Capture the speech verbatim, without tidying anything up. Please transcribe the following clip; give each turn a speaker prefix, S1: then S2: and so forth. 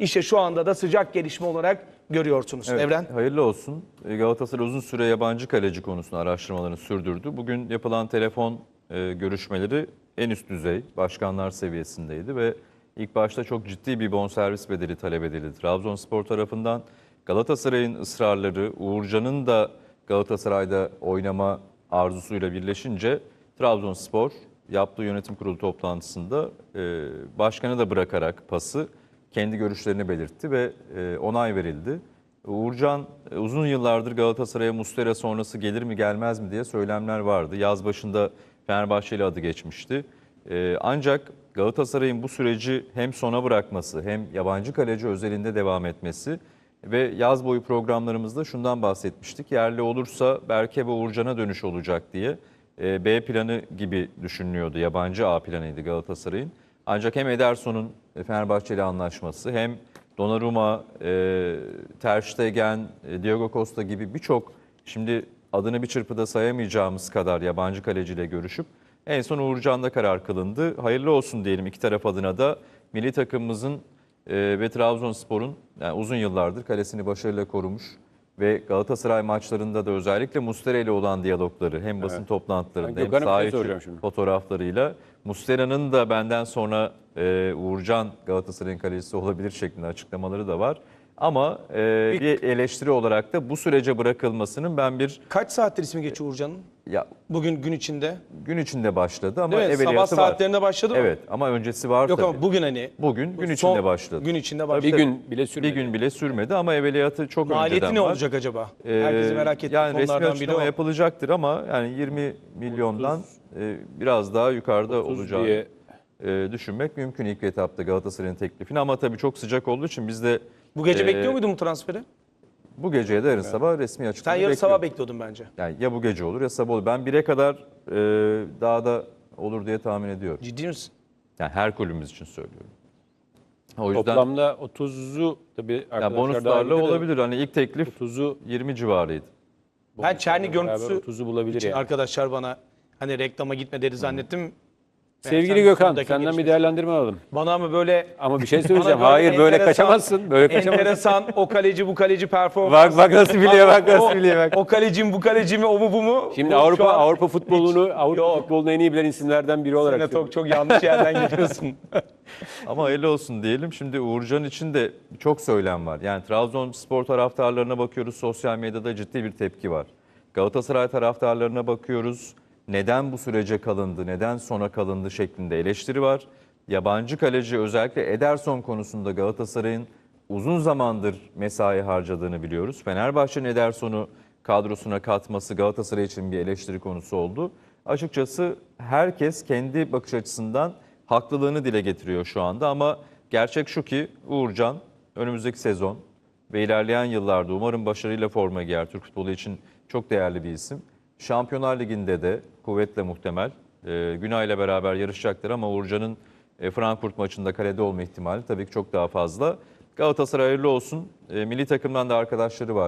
S1: İşte şu anda da sıcak gelişme olarak görüyorsunuz.
S2: Evet,
S1: Evren.
S2: hayırlı olsun. Galatasaray uzun süre yabancı kaleci konusunda araştırmalarını sürdürdü. Bugün yapılan telefon e, görüşmeleri en üst düzey başkanlar seviyesindeydi ve ilk başta çok ciddi bir bonservis bedeli talep edildi Trabzonspor tarafından. Galatasaray'ın ısrarları, Uğurcan'ın da Galatasaray'da oynama arzusuyla birleşince Trabzonspor yaptığı yönetim kurulu toplantısında e, başkanı da bırakarak pası kendi görüşlerini belirtti ve e, onay verildi. Uğurcan e, uzun yıllardır Galatasaray'a Muslera sonrası gelir mi gelmez mi diye söylemler vardı. Yaz başında Fenerbahçeli adı geçmişti. E, ancak Galatasaray'ın bu süreci hem sona bırakması hem yabancı kaleci özelinde devam etmesi ve yaz boyu programlarımızda şundan bahsetmiştik. Yerli olursa Berke ve Uğurcan'a dönüş olacak diye e, B planı gibi düşünülüyordu. Yabancı A planıydı Galatasaray'ın. Ancak hem Ederson'un Fenerbahçeli anlaşması hem Donnarumma, e, Ter Stegen, e, Diego Costa gibi birçok şimdi adını bir çırpıda sayamayacağımız kadar yabancı kaleciyle görüşüp en son Uğurcan'da karar kılındı. Hayırlı olsun diyelim iki taraf adına da milli takımımızın e, ve Trabzonspor'un yani uzun yıllardır kalesini başarıyla korumuş ve Galatasaray maçlarında da özellikle Muslera ile olan diyalogları hem basın
S3: Evet.
S2: toplantılarında
S3: Ben
S2: hem
S3: Gökhan'a bir
S2: saha
S3: şey
S2: içi
S3: soracağım şimdi.
S2: fotoğraflarıyla Muslera'nın da benden sonra e, Uğurcan Galatasaray'ın kalecisi olabilir şeklinde açıklamaları da var. Ama e, bir eleştiri olarak da bu sürece bırakılmasının ben bir
S1: Kaç saattir ismi geçiyor Uğurcan'ın?
S2: ya
S1: Bugün gün içinde.
S2: gün içinde başladı ama
S1: Değil mi? Sabah
S2: evveliyatı var.
S1: saatlerinde başladı mı?
S2: Evet ama öncesi var
S1: Yok
S2: tabii.
S1: ama bugün hani.
S2: Bugün gün
S1: son
S2: içinde başladı.
S1: Gün içinde
S2: Tabii,
S1: başladı.
S3: Bir gün bile sürmedi.
S2: Bir gün bile sürmedi ama evveliyatı çok
S1: Maliyeti
S2: önceden
S1: ne
S2: var.
S1: olacak acaba?
S2: Ee,
S1: Herkesi merak ettiği
S2: yani resmi
S1: konulardan biri
S2: açıklama
S1: o.
S2: yapılacaktır ama yani yirmi milyondan e, biraz daha yukarıda
S3: otuz
S2: olacağını
S3: diye
S2: e, düşünmek mümkün ilk etapta Galatasaray'ın teklifini ama tabii çok sıcak olduğu için biz de
S1: Bu gece
S2: e,
S1: bekliyor muydun bu transferi?
S2: bu geceye de yarın sabah resmi
S1: Sen
S2: açıklama
S1: yarın
S2: bekliyorum.
S1: sabah bekliyordun bence.
S2: Yani ya bu gece olur ya sabah olur. Ben bire kadar e, daha da olur diye tahmin ediyorum.
S1: Ciddi misin?
S2: Yani her kulübümüz için söylüyorum. O yüzden
S3: toplamda otuzu tabii
S2: ya
S3: arkadaşlar
S2: bonuslarla
S3: dahil de
S2: olabilir. Hani ilk teklif
S3: otuzu
S2: yirmi civarıydı.
S1: Ben Çerni
S3: beraber
S1: görüntüsü
S3: otuzu bulabilir
S1: için
S3: yani.
S1: arkadaşlar bana hani reklama gitme dedi zannettim.
S3: Sevgili
S1: Sen
S3: Gökhan,
S1: sondaki
S3: senden bir
S1: gelişmesi-
S3: değerlendirme alalım.
S1: Bana mı böyle
S3: Ama bir şey söyleyeceğim.
S1: Bana
S3: Hayır böyle
S1: enteresan-
S3: kaçamazsın. Böyle kaçamazsın.
S1: enteresan o kaleci bu kaleci performans.
S3: Bak bak nasıl biliyor, bak nasıl
S1: o,
S3: biliyor bak.
S1: o kaleci mi bu kaleci mi o mu bu mu?
S3: Şimdi
S1: Bu
S3: Avrupa
S1: şu an
S3: Avrupa futbolunu Avrupa
S1: Yok.
S3: futbolunu en iyi bilen isimlerden biri olarak.
S1: Yine
S3: söylüyorum.
S1: çok, çok yanlış yerden geliyorsun.
S2: Ama hayırlı olsun diyelim. Şimdi Uğurcan için de çok söylem var. Yani Trabzonspor taraftarlarına bakıyoruz. Sosyal medyada ciddi bir tepki var. Galatasaray taraftarlarına bakıyoruz. Neden bu sürece kalındı, neden sona kalındı şeklinde eleştiri var. Yabancı kaleci özellikle Ederson konusunda Galatasaray'ın uzun zamandır mesai harcadığını biliyoruz. Fenerbahçe'nin Ederson'u kadrosuna katması Galatasaray için bir eleştiri konusu oldu. Açıkçası herkes kendi bakış açısından haklılığını dile getiriyor şu anda ama gerçek şu ki Uğurcan önümüzdeki sezon ve ilerleyen yıllarda umarım başarıyla forma giyer. Türk futbolu için çok değerli bir isim. Şampiyonlar Ligi'nde de kuvvetle muhtemel e, Günay'la beraber yarışacaktır ama Uğurcan'ın e, Frankfurt maçında kalede olma ihtimali tabii ki çok daha fazla. Galatasaray hayırlı olsun. E, milli takımdan da arkadaşları var.